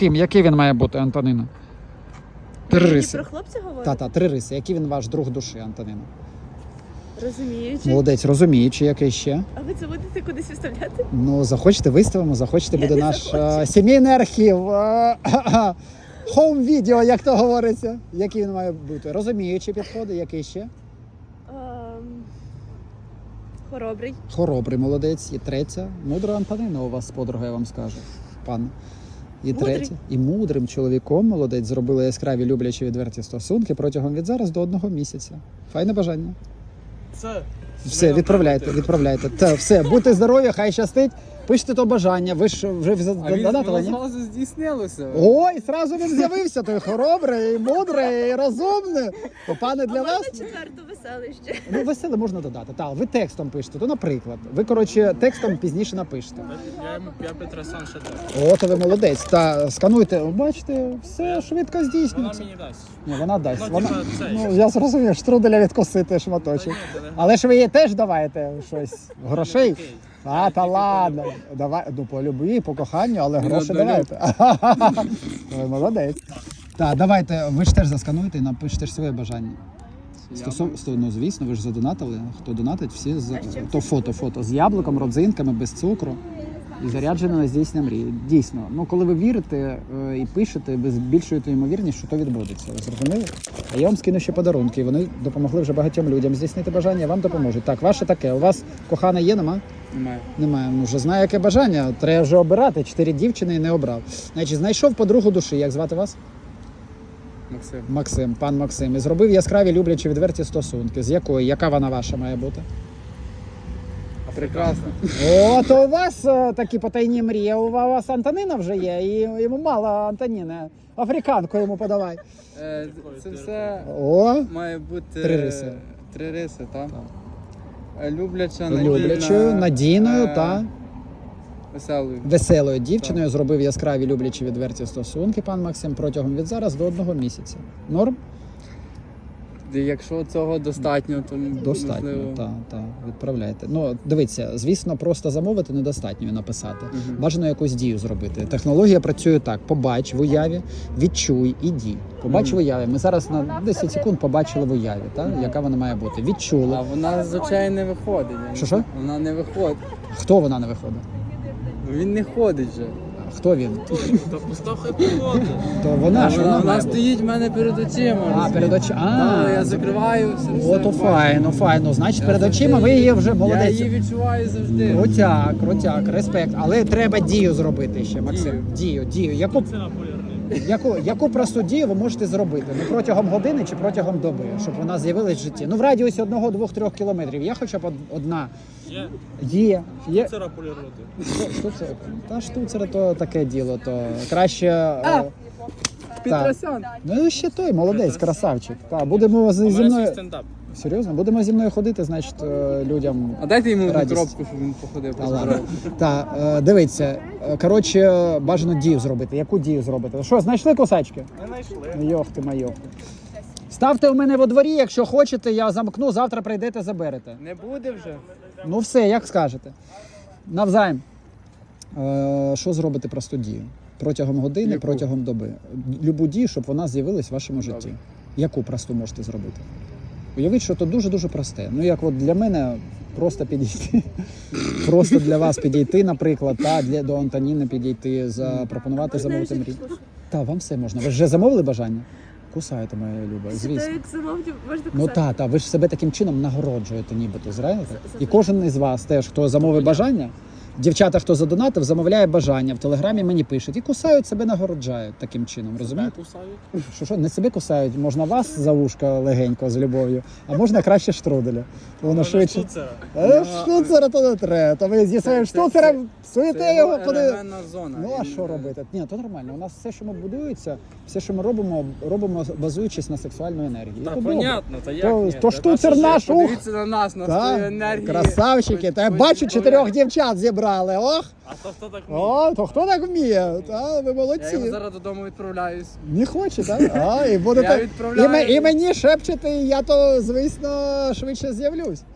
яким? Який він має бути, Антоніна? Три риси. Про хлопця говорите? Та, 3 риси. Який він ваш друг душі, Антоніна? Розуміючи. Молодець, розуміючи, який ще? А ви це будете кудись виставляти? Ну, захочете, виставимо, захочете, Я буде не наш захочу. сімейний архів. Хоум-відео, як то говориться. Який він має бути? Розуміючи підходи, який ще? Хоробрий. Хоробрий, молодець. І третя. Мудра Антонина у вас подруга, я вам скажу. Пан. І Мудрий. третя. І мудрим чоловіком, молодець, зробили яскраві, люблячі, відверті стосунки протягом від зараз до 1 місяця. Файне бажання. Все, відправляйте. Та, все, будьте здорові, хай щастить. Пишете то бажання, ви ж вже задонатили, ні? Зразу здійснилося. Ой, зразу він з'явився, той хоробрий, і мудрий, і розумний. То, пане, для А вас... можна четверту веселище? Ну, веселе можна додати. Так, ви текстом пишете, то, наприклад. Ви, коротше, текстом пізніше напишете. Я Петрасан ще так. О, то ви молодець. Та скануйте, бачите, все швидко Вона здійснюється. мені дасть. Ні, вона дасть. Ну, Вона... типа, це Ну, ж. я зрозумів, штруделя відкосити шматочок. Але ж ви їй теж давайте щось, грошей. А, та ладно. Давай, ну, по любві, по коханню, але гроші давайте. Ви молодець. Так, давайте, ви ж теж заскануйте і напишете ж своє бажання. Ну, звісно, ви ж задонатили. Хто донатить, всі то фото з яблуком, родзинками, без цукру. І заряджено на здійснення мрії. Дійсно, ну коли ви вірите і пишете, ви збільшуєте ймовірність, що то відбудеться. Ви зрозуміли? А я вам скину ще подарунки, і вони допомогли вже багатьом людям здійснити бажання, вам допоможуть. Так, ваше таке. У вас кохана є, нема? Немає. Немає. Ну, вже знаю, яке бажання. Треба вже обирати. 4 дівчини і не обрав. Значить, знайшов подругу душі. Як звати вас? Максим. Максим, пан Максим. І зробив яскраві, люблячі, відверті стосунки. З якої? Яка вона ваша має бути? Прекрасно. О, то у вас такі потайні мрії. У вас Антонина вже є, і йому мало Антоніни. Африканку йому подавай. Це все О, має бути 3 риси. 3 риси, так? Любляча, люблячою, надійною та веселою. веселою дівчиною зробив яскраві, люблячі, відверті стосунки, пан Максим, протягом від зараз до 1 місяця. Норм? Якщо цього достатньо, то Достатньо, можливо... так, відправляйте. Ну, дивіться, звісно, просто замовити недостатньо і написати. Бажано якусь дію зробити. Технологія працює так: побач в уяві, відчуй і дій. Побач в уяві. Ми зараз на 10 секунд побачили в уяві, так? Яка вона має бути. Відчули. А вона з очей не виходить. Що? Вона не виходить. Хто вона не виходить? Він не ходить вже. Хто він? Та постав хай походить. То вона ж Вона має бути. стоїть в мене перед очима. Перед очима. Я закриваю все. О, то файно. Значить, перед очима ви її вже Я молодець. її відчуваю завжди. Крутяк, респект. Але треба дію зробити ще, Максим. Дію. Яку просту дію ви можете зробити? Ну, протягом години чи протягом доби, щоб вона з'явилась в житті? Ну, в радіусі 1, 2, 3 кілометрів. Є хоча б одна? Є. Штуцера полірувати. Штуцер? Та штуцер то таке діло, то краще... Петросян. Ну, ще той, молодець, красавчик. Так, будемо зі мною... стендап. Серйозно? Будемо зі мною ходити, значить, людям... А дайте йому одну Радість. коробку, щоб він походив. Та ладно. Дивіться, коротше, бажано дію зробити. Яку дію зробити? Що, знайшли кусачки? Не знайшли. Майохти. Ставте в мене во дворі, якщо хочете, я замкну, завтра прийдете, заберете. Не буде вже. Ну все, як скажете. Навзаєм. Що зробити просту дію? Протягом години, Яку? протягом доби. Любу дію, щоб вона з'явилась в вашому житті. Добре. Яку просту можете зробити? Уявіть, що то дуже-дуже просте. Ну, як от для мене просто підійти. Просто для вас підійти, наприклад, до Антоніни підійти, запропонувати замовити мрію. Так, вам все можна. Ви ж вже замовили бажання? Кусаєте, моя люба, звісно. Як замовлю, можна Ну писати. так, ви ж себе таким чином нагороджуєте нібито, знаєте? І кожен із вас теж, хто замовив бажання, дівчата, хто задонатив, замовляє бажання, в Телеграмі мені пишуть і кусають себе, нагороджають таким чином, розумієте? Кусають. Що, не себе кусають, можна вас за вушка легенько з любов'ю, а можна краще штруделя. Воно швидше. Штуцера. Штуцера то не треба, то ви зі своїм штуцером суєте його куди. елементна зона. Ну а що робити? Ні, то нормально. У нас все, що ми будується, все, що ми робимо базуючись на сексуальну енергію. Та То добре. понятно, та як То, ні? то Та штуцер наша наш, ух! Подивіться на нас, на свою Так, енергію. красавчики, та я бачу 4 дівчат зібрали, ох! А то хто так вміє? О, то хто так вміє? Та, ви Я його молодці. зараз додому відправляюсь. Не хоче, так? А, і будете... Я відправляю. І мені шепчете, і я то, звісно, швидше з'явлюсь.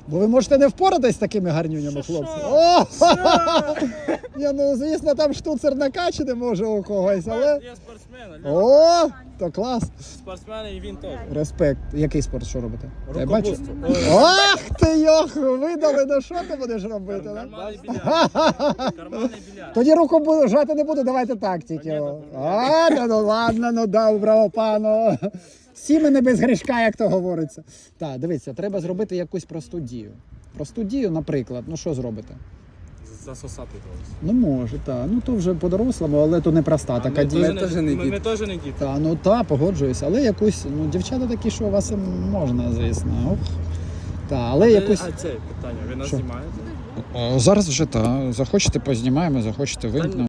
Бо ви можете не впоратись з такими гарнюнями, хлопці. О! Ні, ну, звісно, там штуцер накачати може у когось, але... Є спортсмени, О, то клас. спортсмени і він теж. Респект. Який спорт, що робите? Я бачу. Рукопутство. Ах ти, йох, видали, ну що ти будеш робити? да? Карманний більярд. Карманний більярд. Тоді руку жати не буду, давайте так тільки. А, ну ладно, ну доброго пану. Сімени без грішка, як то говориться. Так, дивіться, треба зробити якусь просту дію. Просту дію, наприклад, ну що зробите? Засосати когось. Ну може, так. Ну то вже по-дорослому, але то не проста така дія. теж не діти. Ми теж не діти. Та, ну та, погоджуюсь, але якусь, ну дівчата такі, що у вас можна, звісно. Ох. Та, але якусь. А це питання, ви нас Що? знімаєте? Зараз вже так. Захочете, познімаємо, захочете вимкнемо.